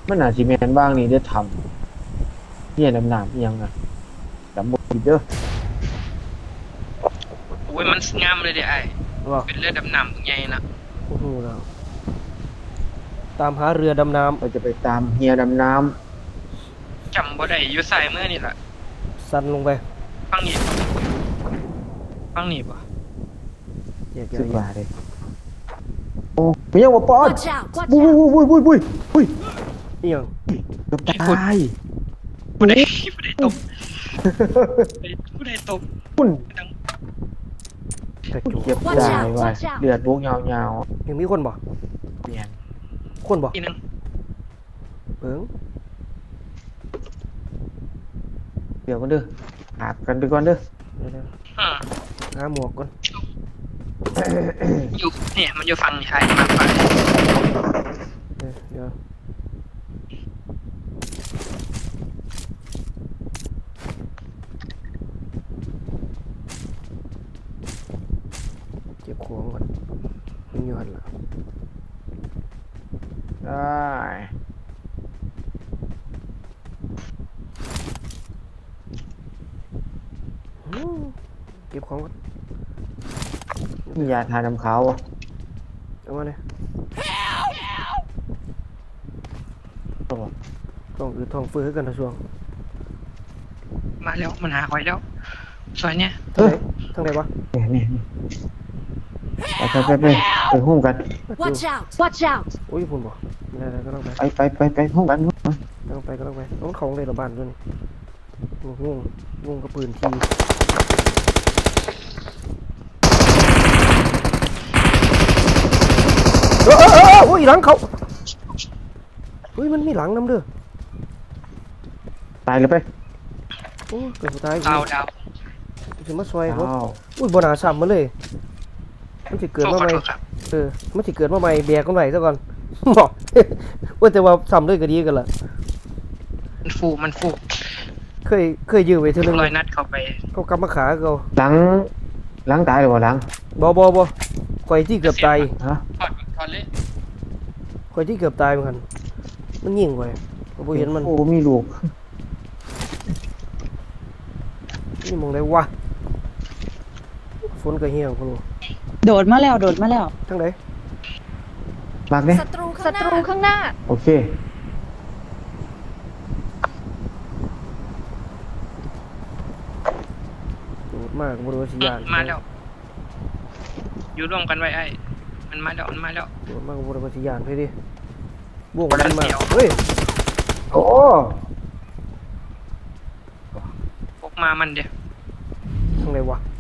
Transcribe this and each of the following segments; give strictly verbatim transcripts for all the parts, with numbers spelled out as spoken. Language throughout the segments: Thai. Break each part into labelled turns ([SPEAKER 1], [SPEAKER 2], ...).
[SPEAKER 1] มันอาจจะแมนบ้างนี่ได้ทำเนี่ยดำน้ำยังอ่ะจำบทเด้อ
[SPEAKER 2] โอ้ยมันงามเลยเดี๋ยวไอ้
[SPEAKER 3] ว่า
[SPEAKER 2] เป็นเรือดำน้ำใหญ่นะ
[SPEAKER 3] โอ้โหแล้วตามหาเรือดำน้ำ
[SPEAKER 1] เราจะไปตามเฮียดำน้
[SPEAKER 2] จำบ่ได้อยู่ใส่เมื่อนี่แหละ
[SPEAKER 3] สั่นลงไป
[SPEAKER 2] ฟังนี่ฟังนี่ป่ะ
[SPEAKER 1] ำสิบบาทเลยโอ้ไม่ยังว่าปอนบุ้ยบุ้ยบุ้ยบุ้ยบุ้ย
[SPEAKER 3] นี่ยัง
[SPEAKER 1] เกือบตาย
[SPEAKER 2] ผู้ใดผู้ใดตบผู้ใดตบ
[SPEAKER 1] คุณ
[SPEAKER 3] กระจุก
[SPEAKER 1] เก็บได้ว่ะเลือดบุกยาว
[SPEAKER 3] ยังมีคนบ่
[SPEAKER 1] ๆเปลี่ยน
[SPEAKER 3] คนบ่
[SPEAKER 2] อีนึง
[SPEAKER 3] เบิ่ง
[SPEAKER 1] เดี๋ยวกันเด้อหากันไปก่อนเด้อ
[SPEAKER 3] เดี๋ยว
[SPEAKER 2] ฮะ
[SPEAKER 3] หาหมวกก่อน
[SPEAKER 2] อยู่เนี่ยมันอยู่ฝั่งไทยมากกว่า
[SPEAKER 3] เดี๋ยวเก็บของก่อนมันอยู่หันละ
[SPEAKER 1] ได้
[SPEAKER 3] เก็บของก่อน
[SPEAKER 1] มียาทาน้ำขาวอ่ะ
[SPEAKER 3] เอามาเลยต้องอืดท้องฟื้นกันนะช่วง
[SPEAKER 2] มาแล้วมันหาคอยแล้วซอยเนี่ย
[SPEAKER 3] ทางไหนทางไหนวะ
[SPEAKER 1] นี่นี่ไปไปไปไปไปหุ้มกัน
[SPEAKER 4] Watch out Watch out
[SPEAKER 3] โอ้ยพุ่นบ่ได้ๆก็ต้องไป
[SPEAKER 1] ไปไปไปไปหุ้มกันหุ้มกัน
[SPEAKER 3] ต้องไปก็ต้องไปต้องของในระบานด้วยงงงงกับปืนทีเออเออเออโอ้ยหลังเขาเฮ้ยมันมีหลังน้ำเด้อ
[SPEAKER 1] ตายเลยไป
[SPEAKER 3] โอ้เกิดสุดท้าย
[SPEAKER 2] ดาวดาว
[SPEAKER 3] จะมาซอยเขาอุ้ยบนาซ้ำมาเลยมันจะเกิดมาใหม่เออมันจะเกิดมาใหม่แบกกันไหวซะก่อนบอกว่าแต่ว่าซ้ำด้วยก็ดีกันล่ะ
[SPEAKER 2] มันฟูมันฟู
[SPEAKER 3] เคยเคยยืมไปเท่านึง
[SPEAKER 2] ลอยนัดเข้าไป
[SPEAKER 3] เขากำมาขาเขา
[SPEAKER 1] หลังหลังตายหรือเปล่าหลัง
[SPEAKER 3] บ่บ่บ่ข่อยที่เกือบตาย
[SPEAKER 1] ฮะ
[SPEAKER 2] ถอดถอดเลย
[SPEAKER 3] ข่อยที่เกือบตายเหมือนกันมันยิงไว้ผมเห็นมัน
[SPEAKER 1] โอ้มีลูก
[SPEAKER 3] นี่มองได้วะฝนกระเฮียงคุณ
[SPEAKER 4] โดดมาแล้วโดดมาแล้ว
[SPEAKER 3] ทั้งไหน
[SPEAKER 1] มากเนี่ย
[SPEAKER 4] ศัตรูศัตรูข้างหน้า
[SPEAKER 1] โอเค
[SPEAKER 3] โดดมากบริวารสิยาน
[SPEAKER 2] มาแล้วอยู่ร่วมกันไว้ไอ้มันมาแล้วมันมาแล้ว
[SPEAKER 3] โดดมากบริวารสิยานไปดิบวกมันมาเฮ้ย
[SPEAKER 1] โอ้
[SPEAKER 2] พกมามันเดียว
[SPEAKER 3] ทั้งไหนวะ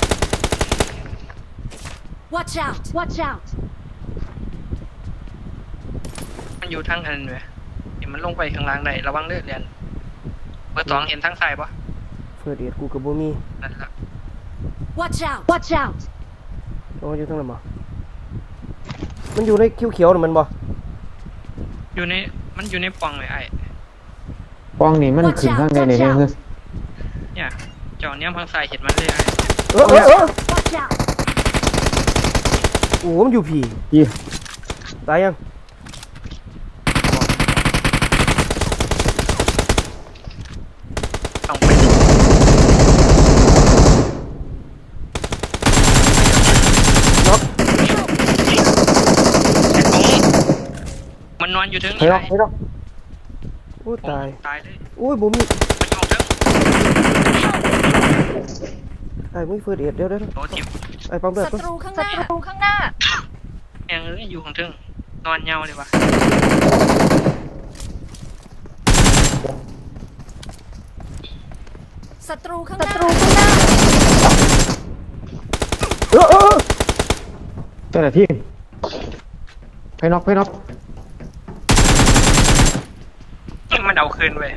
[SPEAKER 4] Watch out Watch out
[SPEAKER 2] มันอยู่ทั้งอันเลยเห็นมันลงไปข้างล่างได้ระวังเลือดเรียนเบอร์สองเห็นทั้งสายปะ
[SPEAKER 3] เฟิร์สเอ็ดกูกับบูมี่
[SPEAKER 2] นั่นแหละ
[SPEAKER 4] Watch out Watch out
[SPEAKER 3] โอ้อยู่ทั้งไหนบ่มันอยู่ในเขียวๆน่ะมันบ่
[SPEAKER 2] อยู่ในมันอยู่ในปองเลยไอ้
[SPEAKER 1] ปองนี่มันขึ้นข้างในเนี่ยคือ
[SPEAKER 2] เนี่ยจอเนี้ยพังสายเห็นมันเลยไอ้
[SPEAKER 3] เออเออเออโอ้มันอยู่ผี
[SPEAKER 1] ยี่
[SPEAKER 3] ตายยัง
[SPEAKER 2] ต้องไป
[SPEAKER 3] น็อก
[SPEAKER 2] มันนอนอยู่ถึง
[SPEAKER 1] ไม่ต้องไม่ต้อง
[SPEAKER 3] โอ้ตาย
[SPEAKER 2] ตายเลย
[SPEAKER 3] โอ้ยบูมี่
[SPEAKER 2] มันอยู่ถึง
[SPEAKER 3] ไอ้มึงเฟิร์สเอ็ดเดี๋ยวเดี๋ยว
[SPEAKER 2] โอ้ทิม
[SPEAKER 3] ไอ้ปั๊มเลือด
[SPEAKER 4] ศัตรูข้างหน้าศัตรูข้างหน้า
[SPEAKER 2] แองเอ้ยอยู่ของถึงนอนเงาเลยวะ
[SPEAKER 4] ศัตรูข้างหน้าศัตรูข้างหน้า
[SPEAKER 3] เออเออ
[SPEAKER 1] เจ้าหน้าที่ไปน็อกไปน็อก
[SPEAKER 2] มันเอาคืนไป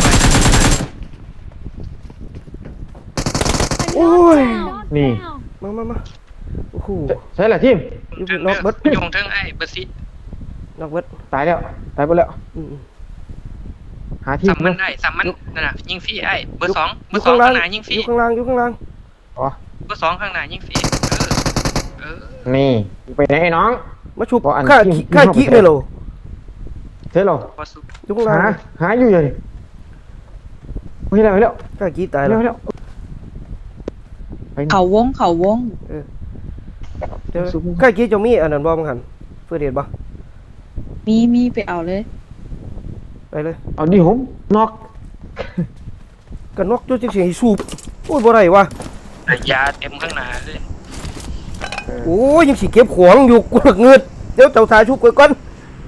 [SPEAKER 3] โอ้ย
[SPEAKER 1] นี่
[SPEAKER 3] มามามาโอ้โห
[SPEAKER 1] ใช่แหละทีม
[SPEAKER 3] อยู่น็อกเบิร์ด
[SPEAKER 2] อยู่ของถึงไอ้เบอร์ซิ
[SPEAKER 3] น็อกเบิร์ด
[SPEAKER 1] ตายแล้วตายไปแล้วหาที่
[SPEAKER 2] สัมมันได้สัมมันนั่นน่ะยิงฟรีไอ้เบอร์สองเบอร์สองข้างหน้ายิงฟรี
[SPEAKER 3] อยู่ข้างล่างอยู่ข้างล่าง
[SPEAKER 1] อ๋อ
[SPEAKER 2] เบอร์สองข้างหน้ายิงฟรีเออ
[SPEAKER 1] นี่ไปไหนน้อง
[SPEAKER 3] มาชุบข้าข้ากี้เลยเหรอ
[SPEAKER 1] เสร็จแล้ว
[SPEAKER 2] พอสุก
[SPEAKER 3] ยุงลา
[SPEAKER 1] หาหาอยู่เลยเฮ้ยแล้วเฮ้ยแล้ว
[SPEAKER 3] กล้ากี้ตาย
[SPEAKER 1] เฮ้ย
[SPEAKER 3] แล้ว
[SPEAKER 1] แล้วไป
[SPEAKER 5] เขาวงเขาวง
[SPEAKER 3] เดี๋ยวกล้ากี้จะมีอันนั้นบ่มั้งหันเพื่อเดชบ่
[SPEAKER 5] มีมีไปเอาเลย
[SPEAKER 3] ไปเลย
[SPEAKER 1] เอาดิผมนอก
[SPEAKER 3] กันนกจุดจังสิให้สูบโอ้ยบ่ได้ว่ะ
[SPEAKER 2] แต่ยาเต็มข้างหน้าเลย
[SPEAKER 3] โอ้ยยังสิเก็บของอยู่กูเงืดเดี๋ยวเจ้าทาชุบก่อน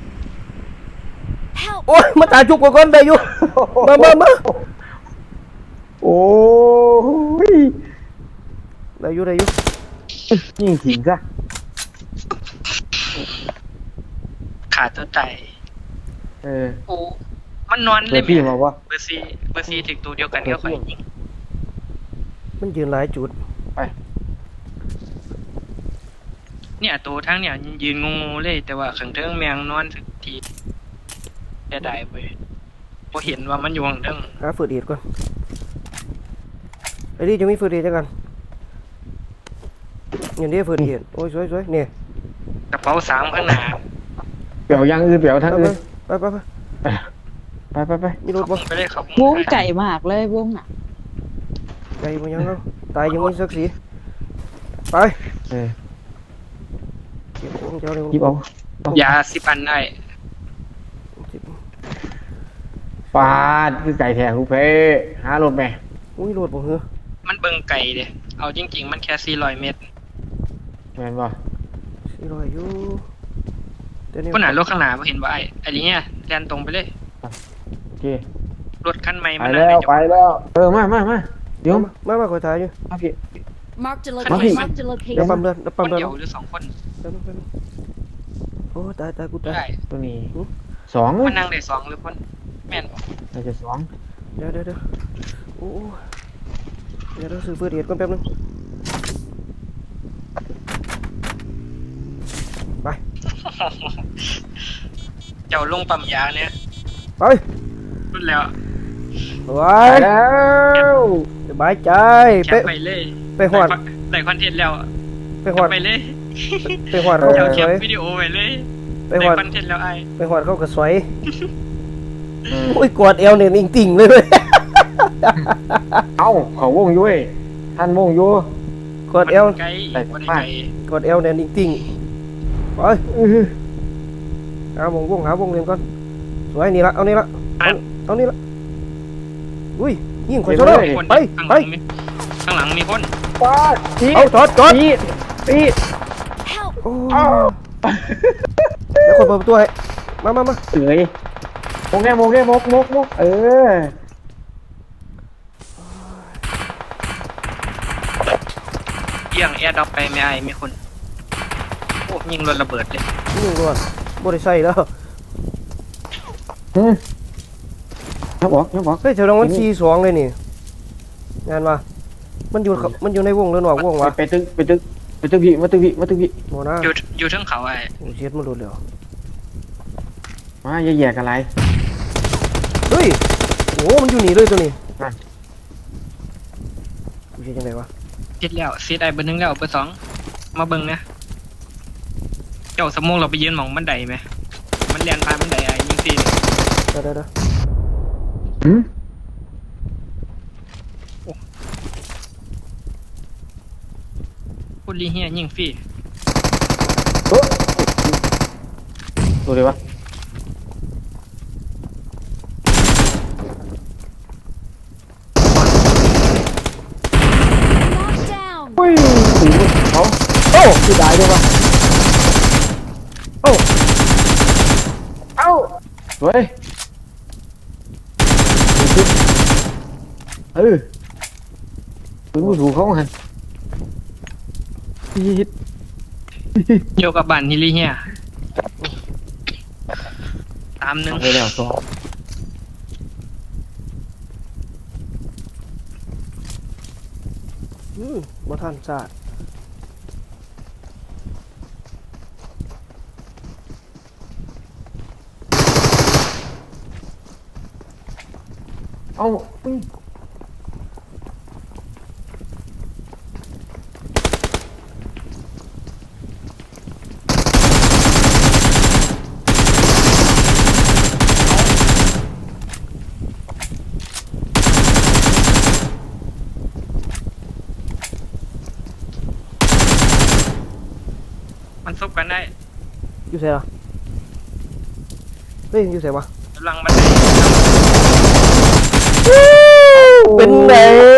[SPEAKER 4] Help!
[SPEAKER 3] โอ้ยมาตาชุบก่อนได้อยู่มามามา
[SPEAKER 1] โอ้ย
[SPEAKER 3] ได้อยู่ได้อยู่
[SPEAKER 1] ยิงทิ้งซะ
[SPEAKER 2] ขาดตัวใจ
[SPEAKER 1] เออ
[SPEAKER 2] โอ้มันนอน
[SPEAKER 1] เปิ
[SPEAKER 2] เล
[SPEAKER 1] ด
[SPEAKER 2] ย
[SPEAKER 1] พี่
[SPEAKER 2] แม่
[SPEAKER 1] มาว่า
[SPEAKER 2] เบอร์ซีเบอร์ซีถึงตัวเดียวกันก็ค่อยยิง
[SPEAKER 3] มันยืนหลายจุด
[SPEAKER 1] ไป
[SPEAKER 2] เนี่ยตัวทั้งเนี่ยยืนงงๆเลย แต่ว่าขังเทิงแมงนอนถึงทีจะได้ไปพอเห็นว่ามันอยู่ข้างเทิง
[SPEAKER 3] หาเฟิร์ดเดชก่อนไอ้นี่จะมีเฟิร์ดเดชจังกันอย่างนี้เฟิร์ดเดชโอ้ยสวยๆเนี่ย
[SPEAKER 2] กระเป๋าสามข้างหน้า
[SPEAKER 1] เปลี่ยวยังอื่นเปลี่ยวทั้งอื่น
[SPEAKER 3] ไปไปไป
[SPEAKER 1] ไปไปไป
[SPEAKER 3] มีรถ
[SPEAKER 2] เขา
[SPEAKER 3] บ่
[SPEAKER 2] ไปเลยเขา
[SPEAKER 5] วงไก่มากเลยวงอ่ะ
[SPEAKER 3] ใจมันยังเนาะตายยังมีศักดิ์ศรีไป
[SPEAKER 1] เออ
[SPEAKER 3] เก็บของเจ้าเลย
[SPEAKER 1] หยิบเอา
[SPEAKER 2] ยาสิบอันได้
[SPEAKER 1] ปาดคือไก่แทงลูกเพ่หารถแม่
[SPEAKER 3] อุ้ยรถบ่เหรอ
[SPEAKER 2] มันเบิ่งไก่เด้เอาจริง ๆ มันแค่สี่ร้อยเมตร
[SPEAKER 1] แม่นบ่
[SPEAKER 3] สี่ร้อยอยู่เดี๋ยวนี้
[SPEAKER 2] คนหนารถข้างหน้าบ่เห็นว่าไอ้ไอ้นี่เนี่ยแล่นตรงไปเลย
[SPEAKER 1] โอเค
[SPEAKER 2] รถคันใหม่
[SPEAKER 1] ไป
[SPEAKER 2] มัน
[SPEAKER 1] แล้ว
[SPEAKER 2] น่าจะ
[SPEAKER 1] ไปแล้วเออมามามาเดี๋ยว
[SPEAKER 3] มามามาคอยถ่ายอยู่
[SPEAKER 1] มาพี่
[SPEAKER 4] Marked a
[SPEAKER 1] Marky.
[SPEAKER 4] location. Marked a
[SPEAKER 3] เดี๋ยว
[SPEAKER 4] location.
[SPEAKER 3] ปั๊มเลือดเดี๋ยว
[SPEAKER 2] ค
[SPEAKER 3] ปั๊ม
[SPEAKER 2] น
[SPEAKER 3] เลือด
[SPEAKER 2] เดียวหรือสองคน
[SPEAKER 3] แป๊บนึงแป๊บนึงโอ้ตายตายกูตาย
[SPEAKER 2] ได้
[SPEAKER 1] ตัวนี้
[SPEAKER 3] หือ
[SPEAKER 1] สอง
[SPEAKER 2] มันนั่งได้สองหรือคนแม่นบ่
[SPEAKER 1] น่าจะสอง
[SPEAKER 3] เดี๋ยวเดี๋ยวเดี๋ยวโอ้เดี๋ยวเราซื้อเฟิร์สเดชก่อนแป๊บนึงไป
[SPEAKER 2] เจ้าลงปั๊มยาเนี่ย
[SPEAKER 3] ไป
[SPEAKER 2] รุ่นแล้ว
[SPEAKER 3] ไว้
[SPEAKER 1] ไปแล้ว
[SPEAKER 3] สบายใจ
[SPEAKER 2] แค
[SPEAKER 3] ไป
[SPEAKER 2] ปไปเลย
[SPEAKER 3] ไปหอด
[SPEAKER 2] ได้คอนเทนต์แล้ว
[SPEAKER 3] ไป
[SPEAKER 2] แค
[SPEAKER 3] หอ
[SPEAKER 2] ป
[SPEAKER 3] ด
[SPEAKER 2] ไปเลย
[SPEAKER 3] ไปหอดเขา
[SPEAKER 2] เจ้าก
[SPEAKER 3] ระ
[SPEAKER 2] แค
[SPEAKER 3] ส
[SPEAKER 2] ป
[SPEAKER 3] วย
[SPEAKER 2] วิดีโอไปเลย
[SPEAKER 3] ไป
[SPEAKER 2] ได้
[SPEAKER 3] หอด
[SPEAKER 2] คอนเทนต์แล้วไอ้
[SPEAKER 3] ไปหอดเขากระสวยโอ้ยกอดเอวเนี่ยติ่งๆเลยเว้ย
[SPEAKER 1] เอ้าเขาวงอยู่เว้ยท่านวงอยู่
[SPEAKER 3] กอดเอว
[SPEAKER 2] ไกล
[SPEAKER 1] ได้
[SPEAKER 2] บ่ได้
[SPEAKER 1] มาก
[SPEAKER 2] ไกล
[SPEAKER 3] กอดเอวเนี่ยติ่งๆไป
[SPEAKER 1] อื้อหือ
[SPEAKER 3] หาวงวงหาวงเรียนก่อนสวยนี่ละเอานี่ละเอาเอานี่ละอุ้ยยิงข่อยซะเลย
[SPEAKER 2] คน
[SPEAKER 3] ไป
[SPEAKER 2] ข้างห
[SPEAKER 3] ไป
[SPEAKER 2] ลังมีข้างหลังมีคน
[SPEAKER 1] ปาดที
[SPEAKER 3] เอาจอดจอด
[SPEAKER 1] ทีที
[SPEAKER 4] Help!
[SPEAKER 3] โอ้
[SPEAKER 1] อ้าว
[SPEAKER 3] แล้วคนเปิดประตูให้มามามา
[SPEAKER 1] เอ้ยมกแน่มกแน่มกมกมกเออ
[SPEAKER 2] เอียงแอร์ดรอปไปไม่ไอ้มีคนโอ้ยิงรถระเบิดเลย
[SPEAKER 3] ยิงก่อนบ่ได้ใส่แล้ว
[SPEAKER 1] อืมนับบอกนับบอก
[SPEAKER 3] เฮ้ยแถวนั้นมันสี่สองเลยนี่งานว่ามันอยู่เขามันอยู่ในวงหรือนอกวงวะ
[SPEAKER 1] ไปตึกไปตึกไปตึกพี่มาตึกพี่มาตึกพี่
[SPEAKER 3] โมนะ
[SPEAKER 2] อยู่อยู่เทั้งเขาไอ้
[SPEAKER 3] โอ้เช็ดมันหลุดแล้ว
[SPEAKER 1] มาอย่าแย่กันไร
[SPEAKER 3] เฮ้ยโอ้มันอยู่นี่เลยตัวนี้
[SPEAKER 1] นั่น
[SPEAKER 3] กูเช็ดยังไงวะ
[SPEAKER 2] เสร็จแล้วเสร็จไอ้เบอร์หนึ่งแล้วเบอร์สองมาเบิ่งนะเจ้าสมองเราไปยืนหมองบันไดไหมมันเรียนพานบันไดไอ้ยิงซีน
[SPEAKER 3] เดี๋ยวเดี๋ยวเดี๋ยว
[SPEAKER 1] หืม
[SPEAKER 2] พูดลีเฮียยิงฟรี
[SPEAKER 1] โอ้ดูเลยวะ
[SPEAKER 4] Knocked down.
[SPEAKER 1] อุ้ยสีเขา
[SPEAKER 3] โอ้
[SPEAKER 1] คือได้ด้วยวะ
[SPEAKER 3] โอ้
[SPEAKER 1] เอ้าเฮ้ยเออปืนผู้ถูกเขาหันฮิต
[SPEAKER 2] โยกับบันฮิลีเฮียตามหนึ่ง
[SPEAKER 1] ไปแล้วสอง
[SPEAKER 3] อืมบ่ทันซาด
[SPEAKER 1] เอ้าอุ้ย
[SPEAKER 2] ซบกันได้
[SPEAKER 3] อยู่ไสล่ะเฮ้ยอยู่ไสวะ
[SPEAKER 2] กำลังบันได
[SPEAKER 3] เป็นไง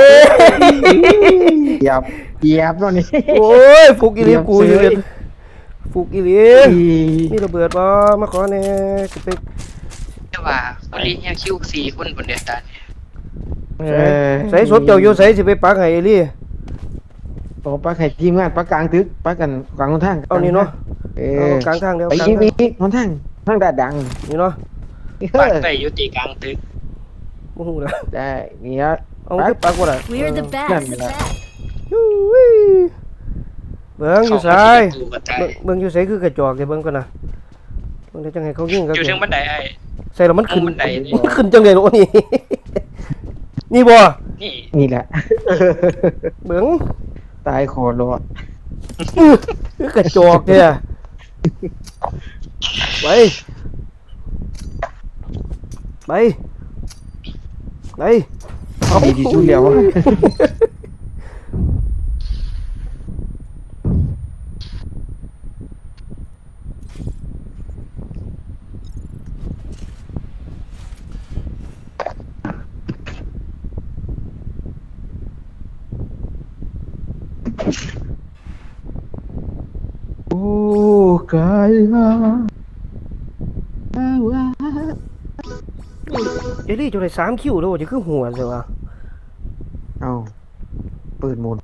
[SPEAKER 1] เหยียบเหยียบตอนนี้
[SPEAKER 3] โอ้ยฟุกอีหลีกูอยู่เป็นฟุกอีหลี
[SPEAKER 1] อี
[SPEAKER 3] มีระเบิดบ่มาขอแหน่สิไป
[SPEAKER 2] แต่ว่าพอดีเนี่ยคิวสี่คนบนเดือดตาเนี่ย
[SPEAKER 1] เออ
[SPEAKER 3] ใส่ศพเจ้าอยู่ใส่สิไปปักให้อีหลี
[SPEAKER 1] โอ้ปักให้ทีมงานปักกลางตึกปักกันกลางหนทาง
[SPEAKER 3] เอานี่เนาะ
[SPEAKER 1] เอ
[SPEAKER 3] เอา
[SPEAKER 1] อก
[SPEAKER 3] ลางทางเดียว
[SPEAKER 1] ไป
[SPEAKER 3] กลาง
[SPEAKER 1] ยิง
[SPEAKER 3] ทาง
[SPEAKER 1] อีกหนทางทางดาดดัง
[SPEAKER 3] นี่เนาะ
[SPEAKER 1] เอ
[SPEAKER 2] ปัด
[SPEAKER 1] อ
[SPEAKER 2] ไปอยู่ตีกลางตึก
[SPEAKER 3] บ่ฮู้แล้ว
[SPEAKER 1] ได้นี่ฮะ
[SPEAKER 3] เอาคือปักบ่ล่ะ
[SPEAKER 4] We're the
[SPEAKER 1] None
[SPEAKER 4] best.
[SPEAKER 1] of that.
[SPEAKER 3] ยูวิเบิ่งอยู่ไส
[SPEAKER 2] เข้ามาที่ประตูกระจาย
[SPEAKER 3] เบิ่งเบิ่งอยู่ไสคือกระจอกเด้เบิ่งก่อนนะเบิ่งได้จังไห้เขายิงกัน
[SPEAKER 2] อยู่ถึงบันไดไอ้
[SPEAKER 3] ใส่แล้วมันขึ้น
[SPEAKER 2] เอาบันไดนี่
[SPEAKER 3] มันขึ้นจังได๋โอ้นี่ นี่บ่
[SPEAKER 2] นี่
[SPEAKER 1] นี่แหละ
[SPEAKER 3] เบิ่ง
[SPEAKER 1] ตายโคตรโลด
[SPEAKER 3] คือกระจอกเนี่ยไปไปไปเอา
[SPEAKER 1] ดีที่สุดแล้ว โอ้กายมา
[SPEAKER 3] เอลี่จะได้สามคิวแล้วจะคือหัวใช่ปะ
[SPEAKER 1] เอาปืนหมุน